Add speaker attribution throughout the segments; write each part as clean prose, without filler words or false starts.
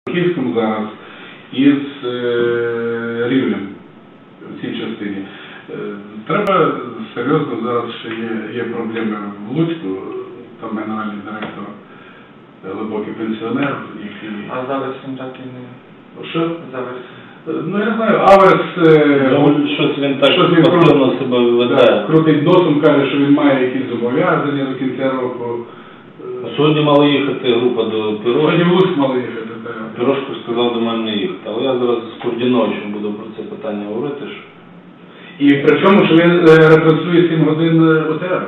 Speaker 1: Київському зараз із Рівнем в цій частині. Треба серйозно, зараз ще є проблеми в Луцьку, там генеральний директор, глибокий пенсіонер, який...
Speaker 2: А зараз він так і не...
Speaker 1: Що?
Speaker 2: Зараз...
Speaker 1: Ну, я не знаю, Аверс...
Speaker 3: Щось він так постійно себе веде.
Speaker 1: Крутить носом, каже, що він має якісь зобов'язання до кінця року.
Speaker 3: Сьогодні мала їхати група до Пирожки.
Speaker 1: Сьогодні в Луцьк мала їхати, так.
Speaker 3: Пирожко сказав до мене не їхати. Але я зараз з Курдіновичем буду про це питання говорити.
Speaker 1: І при чому, що він ретранслює 7 годин ОТР.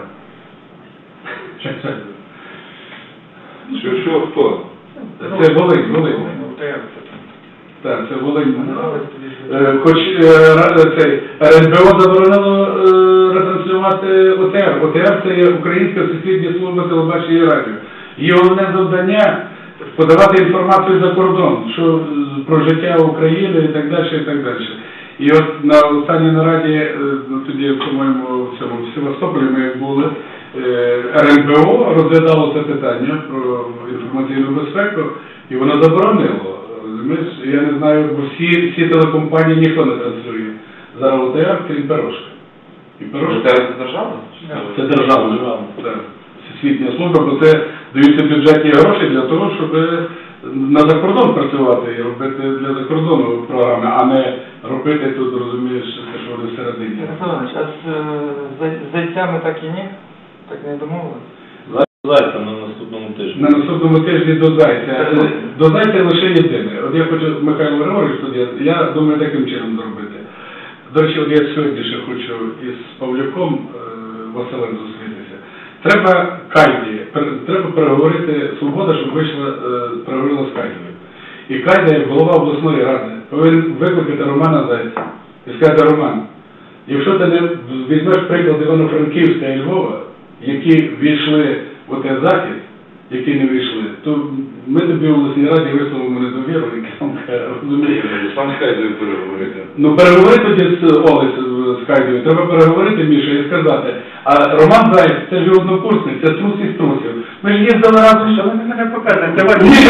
Speaker 4: Що, хто?
Speaker 1: Це Волинь. Так, це Волинь. Хоч РНБО заборонило ретранслювати ОТР. ОТР – це є Українська всесвітня служба телебачення і радіо. Її головне завдання – подавати інформацію за кордон, що про життя України і так далі, і так далі. І от на останній нараді, тоді, по-моєму, в Севастополі ми були, РНБО розглядало це питання про інформаційну безпеку, і воно заборонило. Я не знаю, бо всі телекомпанії ніхто не транслює. Зараз ОТР, крім Пирожка.
Speaker 4: ОТР це держава?
Speaker 1: Це держава. Всесвітня служба, бо це даються бюджетні гроші для того, щоб на закордон працювати і робити для закордону програми, а не робити тут, розумієш, те, що вони всередині.
Speaker 2: Ярославович, а з зайцями так і ні? Так не домовились?
Speaker 3: Зайця на наступному тижні.
Speaker 1: На наступному тижні до Зайця. До Зайця лише єдине. От я хочу, Михайло Григорович, я думаю, таким чином зробити. До речі, от я сьогодні ще хочу із Павлюком Василем зустрітися. Треба Кайді, треба переговорити, Свобода, щоб вийшла, переговорила з Кайдою. І Кайда, як голова обласної ради, повинен викликати Романа Зайця і сказати: Роман, якщо ти не візьмеш приклад Івано-Франківська і Львова, які війшли в той захід, які не вийшли, то ми тобі в обласній раді висловимо недовіру, розумієте.
Speaker 4: Сам з Кайдою переговорити.
Speaker 1: Ну переговори тоді з Кайдою, треба переговорити, Міша, і сказати: а Роман Заєць, це ж однокурсник, це трус із трусів. Ми ж їздили разом, що ви мене показуєте.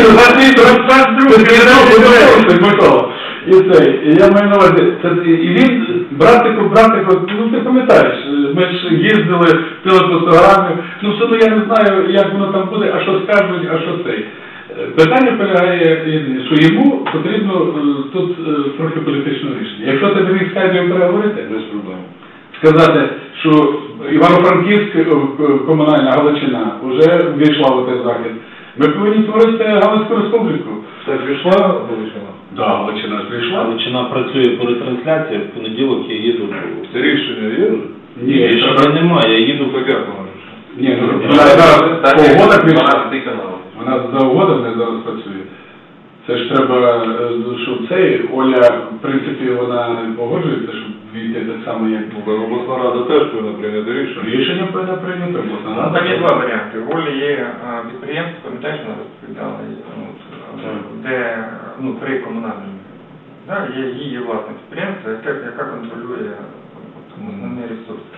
Speaker 1: І я маю на увазі, і він, братику, ну ти пам'ятаєш, ми ж їздили, пили по 100 грамів, ну все одно я не знаю, як воно там буде, а що скажуть, а що цей. Питання полягає єдине, що йому потрібно тут трохи політичного рішення. Якщо ти не міг з Кайдою переговорити, без проблем. Сказати, що Івано-Франківська комунальна Галичина вже ввійшла в цей захід, ми повинні створити Галицьку республіку.
Speaker 4: Це ввійшла Галичина?
Speaker 1: Так, Галичина ввійшла.
Speaker 3: Галичина працює по ретрансляції, в понеділок я їду.
Speaker 4: Це рішення є?
Speaker 3: Ні, рішення немає, я їду по
Speaker 4: П'ятому.
Speaker 1: Ні, вона зараз по угодах вийшла.
Speaker 4: 12 канал.
Speaker 1: Вона за угодами зараз працює. Це ж треба, щоб цей, Оля, в принципі, вона погоджується, щоб війти так само, як...
Speaker 4: Обласна рада теж повинна прийняти рішення.
Speaker 1: Рішення повинна прийняти обласна рада.
Speaker 2: Там є два варіанти. В Олі є підприємство, пам'ятаєш, вона розповідала, де, при комунальному. Є її власне підприємство, яка контролює основні ресурси.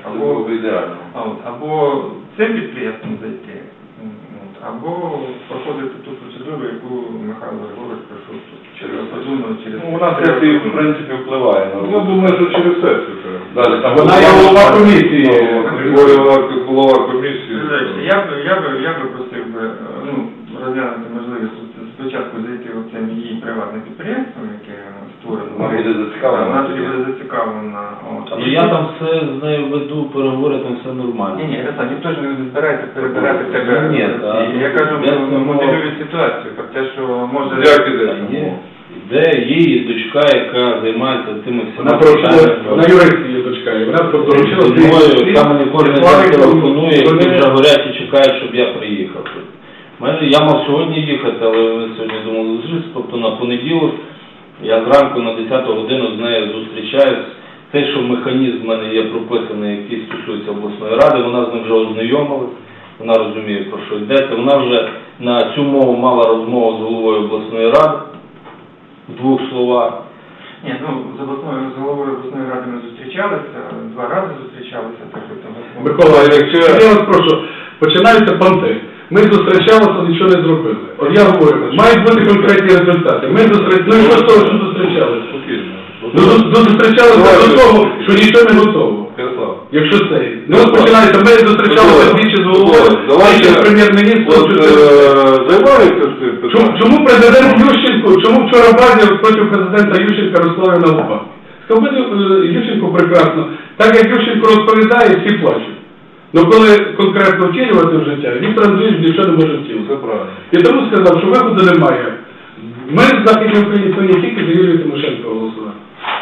Speaker 2: Або цим підприємством зайти, або проходити ту процедуру, яку Михайло Григорович пройшов тут. Через
Speaker 4: Вона сесії, в принципі, впливає. Ну, думаю, що через сесію.
Speaker 1: Вона є голова комісії.
Speaker 4: Голова комісії.
Speaker 2: Я би просив розглянути можливість спочатку зайти оцим її приватним підприємством, яке створено.
Speaker 4: Вона буде зацікавлена.
Speaker 2: Вона тоді буде зацікавлена.
Speaker 3: Але я там все з нею веду, переговори, там все нормально.
Speaker 2: Ні, ніхто ж не збирається перебирати тебе.
Speaker 3: Ні,
Speaker 2: я кажу, моделюю ситуацію, про те, що може...
Speaker 4: Як іде?
Speaker 3: Де її дочка, яка займається тими всіма
Speaker 1: Вона юристка є дочка, і вона доручила
Speaker 3: мною, там мені кожен день телефонує, і вже горять і чекають, щоб я приїхав. Я мав сьогодні їхати, але ми сьогодні думали зустрітися, тобто на понеділок я зранку на 10 годину з нею зустрічаюсь. Те, що механізм в мене є прописаний, який стосується обласної ради, вона з ним вже ознайомилась, вона розуміє, про що йдеться. Вона вже на цю мову мала розмову з головою обласної ради, в 2 словах.
Speaker 2: Ні, з головою обласної ради ми зустрічалися, 2 рази зустрічалися.
Speaker 1: Микола, я вас прошу, починаються понти. Ми зустрічалися, нічого не зробили. От я говорю, мають бути конкретні результати. Ми зустрічалися, ну і що з того, що зустрічалися? Зустрічалися до того, що нічого не готово. Якщо це. Ну, починається, ми зустрічалися двічі з головою, двічі з прем'єр-міністром.
Speaker 4: Займаються цим питанням?
Speaker 1: Чому президент Ющенко, чому вчора Базів проти президента Ющенка розславив на губах? Сказав, Ющенко прекрасно. Так як Ющенко розповідає, всі плачуть. Ну коли конкретно втілювати в життя, Віктор Андрійович нічого не може втілити.
Speaker 4: Це правильно.
Speaker 1: І тому сказав, що виходу немає. Ми в Західній Україні повинні тільки за Юлію Тимошенко голосувати.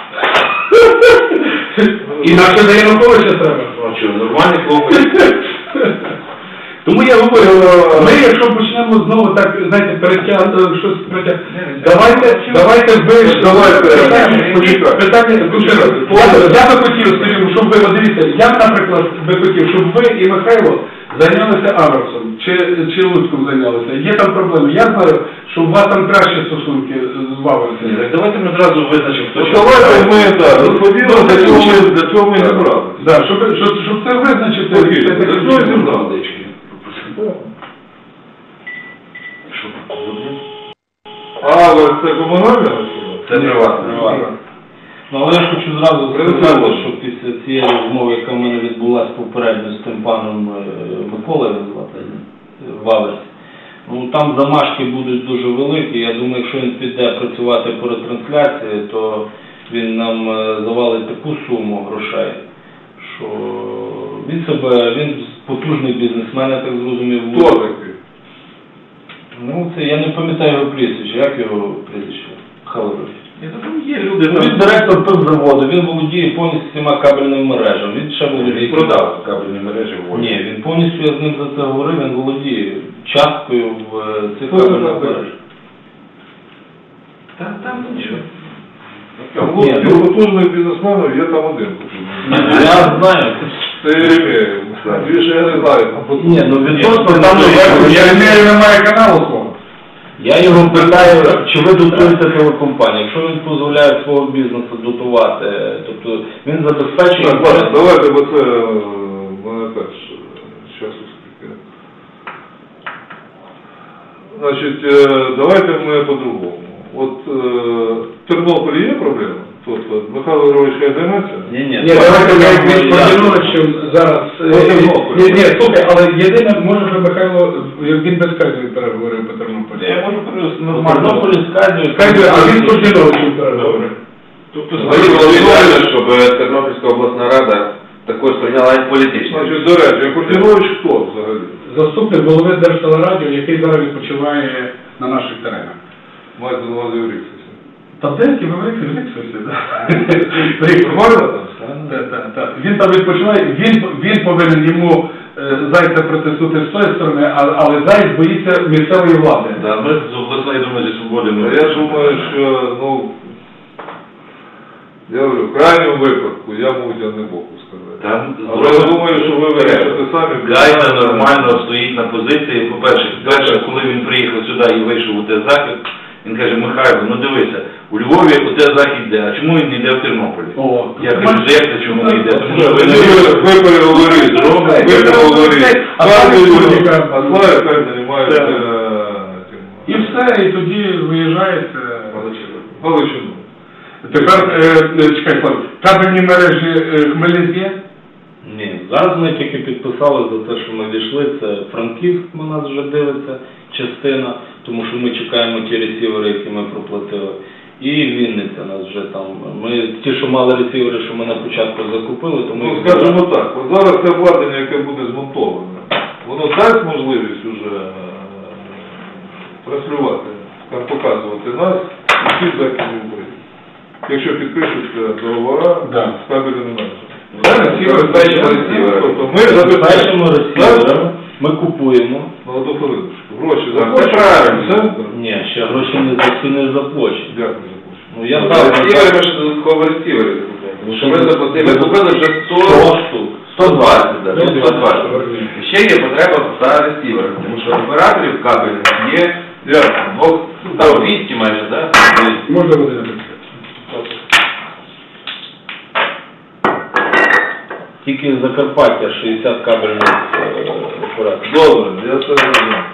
Speaker 1: Інакше за Януковича треба.
Speaker 3: Нормальний хлопець.
Speaker 1: Тому я говорю, ми якщо почнемо знову так, знаєте, перетягнути, щось перетягнути, давайте питання, я би хотів, скажімо, щоб ви, дивіться, я, наприклад, би хотів, щоб ви і Михайло зайнялися Аверсом, чи Луцьком зайнялися. Є там проблеми. Я знаю, що у вас там кращі стосунки з Аверсом.
Speaker 3: Так давайте ми одразу визначимо, хто що.
Speaker 4: Давайте ми, так, розподілимо, для цього ми і зібрали.
Speaker 1: Так, щоб це визначити.
Speaker 4: Для цього і зібрали. Але це комунальне?
Speaker 3: Це приватне. Ну, але я хочу зразу сказати, що після цієї розмови, яка в мене відбулася попередньо з тим паном Миколою в Аверсі, ну там замашки будуть дуже великі. Я думаю, якщо він піде працювати по ретрансляції, то він нам завалить таку суму грошей, що він потужний бізнесмен, я так зрозумів.
Speaker 4: Хто такий?
Speaker 3: Ну, це я не пам'ятаю його прізвище. Як його прізвище? Халерович.
Speaker 2: Є люди,
Speaker 3: Він директор пивзаводу, він володіє повністю всіма кабельними мережами. Він ще володіє.
Speaker 4: Він продав кабельні мережі в Волі.
Speaker 3: Ні, він повністю, я з ним за це говорив, він володіє часткою в цих кабельних мережах.
Speaker 2: Там нічого.
Speaker 3: Ні,
Speaker 4: Потужних бізнесменів є там один.
Speaker 3: я знаю.
Speaker 4: Це Єремєєв. Більше я не знаю.
Speaker 3: Ні, ну відносно там
Speaker 1: Єремєєв немає каналу свого.
Speaker 3: я його питаю, чи ви дотуєте телекомпанію. Якщо він дозволяє свого бізнесу дотувати, тобто він забезпечує...
Speaker 4: Давайте, бо це мене теж часу скільки. Значить, давайте ми по-другому. От в Тернополі є проблема? Тобто Михайло Григорович хай займеться?
Speaker 3: Ні,
Speaker 1: Давайте я Подіновичем зараз... Ні, слухай, але єдине, може би Михайло, він без Кайзу переговорив по Тернополі.
Speaker 3: Я можу привести нормально. Тернополі з
Speaker 1: Кайзу, а він з Подіновичем переговорив.
Speaker 3: Тобто,
Speaker 5: щоб Тернопільська обласна рада також прийняла і політично.
Speaker 4: Значить, до речі, Подінович хто взагалі?
Speaker 1: Заступник голови Держтелерадіо, який зараз відпочиває на наших теренах.
Speaker 4: Маєте на увазі в Ріксесі.
Speaker 1: Та деякі ви в Ріксесі, так.
Speaker 4: Нормально там?
Speaker 1: Він там відпочиває, він повинен йому Зайця притиснути з тої сторони, але Зайць боїться місцевої влади.
Speaker 5: Ми з обласної думаю, зі свободи.
Speaker 4: Я думаю, що, я говорю, в крайньому випадку я можу не боку сказати. Але я думаю, що ви вирішите самі.
Speaker 5: Гайда нормально стоїть на позиції. По-перше, коли він приїхав сюди і вийшов у те захід, він каже: Михайло, ну дивися, у Львові у те захід йде, а чому він не йде в Тернополі? Я кажу, як це чому не йде? Тому що ви не
Speaker 4: Ви переговорите, а Славі хай займається тим.
Speaker 1: І все, і тоді виїжджаєте.
Speaker 4: Галичину.
Speaker 1: Тепер, чекай, Слав, кабельні мережі Хмельницькі є?
Speaker 3: Ні, зараз ми тільки підписали за те, що ми війшли, це Франківськ на нас вже дивиться, частина, тому що ми чекаємо ті ресівери, які ми проплатили. І Вінниця нас вже там, ті, що мали ресівери, що ми на початку закупили, тому...
Speaker 4: Ну, скажімо так, от зараз це обладнання, яке буде змонтоване, воно дасть можливість уже транслювати, показувати нас і всі західні України. Якщо підпишуться договори з кабельними мережами.
Speaker 3: Тобто ми забезпечимо ресіверами, ми купуємо.
Speaker 4: На одну хвилиночку. Гроші
Speaker 5: Це
Speaker 4: заплачені.
Speaker 5: правильно.
Speaker 3: Ні, ще гроші не заплачені.
Speaker 4: Дякую за кошти.
Speaker 3: Ну я
Speaker 5: Ресівери, ми ще додатково ресівери закупили. Що ми заплатили, ми купили вже
Speaker 3: 100 штук.
Speaker 5: 120, так, 120. Ще є потреба за ресіверами, тому що операторів кабельних є 200 майже, так?
Speaker 1: Можна буде написати.
Speaker 3: Тільки з Закарпаття 60 кабельних порядку.
Speaker 4: Добре, я це розумію.